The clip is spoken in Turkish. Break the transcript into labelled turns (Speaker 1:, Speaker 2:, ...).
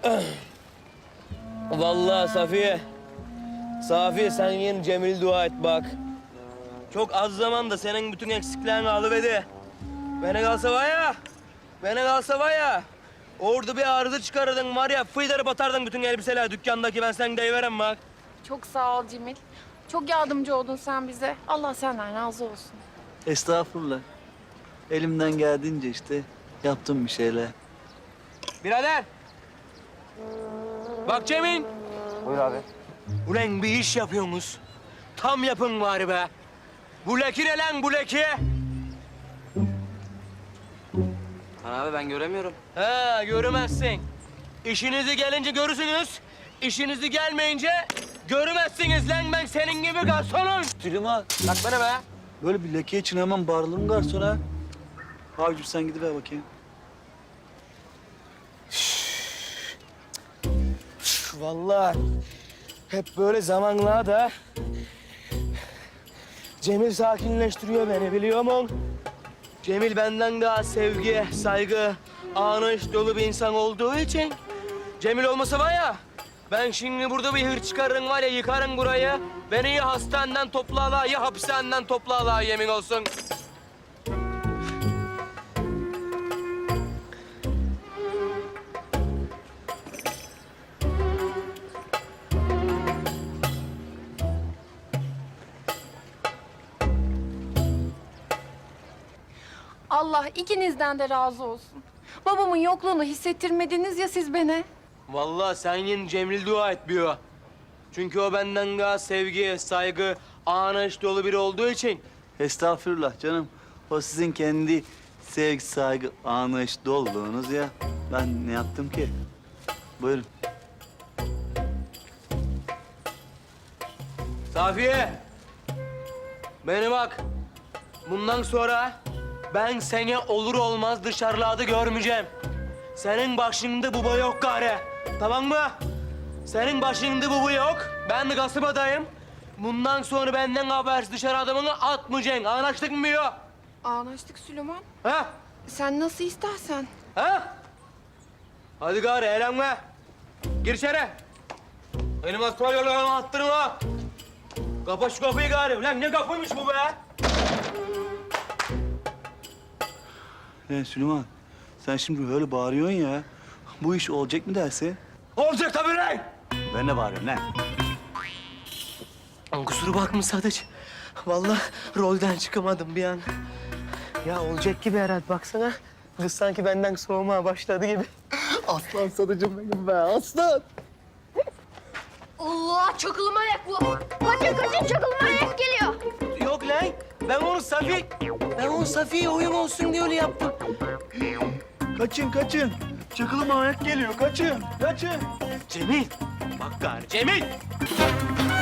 Speaker 1: Vallahi Safiye sen yine Cemil dua et bak. Çok az zamanda senin bütün eksiklerini alıverdi. Bana kalsa var ya, orada bir arıza çıkarırdın var ya, fıydarı batardın bütün elbiseler dükkandaki, ben sen deyiverem bak.
Speaker 2: Çok sağ ol Cemil. Çok yardımcı oldun sen bize. Allah senden razı olsun.
Speaker 3: Estağfurullah. Elimden geldiğince işte yaptım bir şeyler.
Speaker 1: Birader! Bak Cemil!
Speaker 4: Buyur abi.
Speaker 1: Ulan bir iş yapıyorsunuz. Tam yapın bari be. Bu leki ne lan bu leki?
Speaker 4: Abi ben göremiyorum.
Speaker 1: Ha göremezsin. İşinizi gelince görürsünüz. İşinizi gelmeyince göremezsiniz lan, ben senin gibi garsonum.
Speaker 3: Süleyman,
Speaker 1: Bak bana be.
Speaker 3: böyle bir leke için hemen bağırılır garsona. Abicim sen gidiver bakayım.
Speaker 1: Vallahi hep böyle zamanlarda Cemil sakinleştiriyor beni, biliyor musun? Cemil benden daha sevgi, saygı, anlayış dolu bir insan olduğu için Cemil olmasa var ya, ben şimdi burada bir hır çıkarırım var ya, yıkarım burayı. Beni ya hastaneden toplarlar ya hapishaneden toplarlar, yemin olsun.
Speaker 2: Allah ikinizden de razı olsun. Babamın yokluğunu hissettirmediniz ya siz beni.
Speaker 1: Vallahi sen yine Cemil dua etmiyor. Çünkü o benden daha sevgi, saygı, anlayış dolu biri olduğu için.
Speaker 3: Estağfurullah canım. O sizin kendi sevgi, saygı, anlayış doluluğunuz ya. Ben ne yaptım ki? Buyurun.
Speaker 1: Safiye! Beni bak. Bundan sonra ben seni olur olmaz dışarılarda görmeyeceğim. Senin başında baba yok gari. Tamam mı? Senin başında baba yok. Ben de kasabadayım. Bundan sonra benden habersiz dışarı adamını atmayacaksın. Anlaştık mı ya?
Speaker 2: Anlaştık Süleyman.
Speaker 1: Ha?
Speaker 2: Sen nasıl istersen.
Speaker 1: Ha? Hadi gari eğlenme. Gir içeri. Benim astral yollarımı attırma. Kapa şu kapıyı gari. Lan ne kapıymış bu be?
Speaker 3: Süleyman, sen şimdi böyle bağırıyorsun ya. Bu iş olacak mı dersin?
Speaker 1: Olacak tabii lan.
Speaker 3: Ben de bağırıyorum lan.
Speaker 1: Kusura bakma Sadıç. Vallahi rolden çıkamadım bir an. Ya olacak gibi herhalde, baksana. Kız sanki benden soğumaya başladı gibi.
Speaker 3: Aslan Sadıcım benim be, aslan.
Speaker 2: Allah çakılı manyak bu. Kaçın çakılı manyak geliyor.
Speaker 1: Yok lan. Ben onu Safiye oyun olsun diye öyle yaptım.
Speaker 3: Kaçın. Çakılı manyak geliyor, kaçın.
Speaker 1: Cemil. Bak gari Cemil.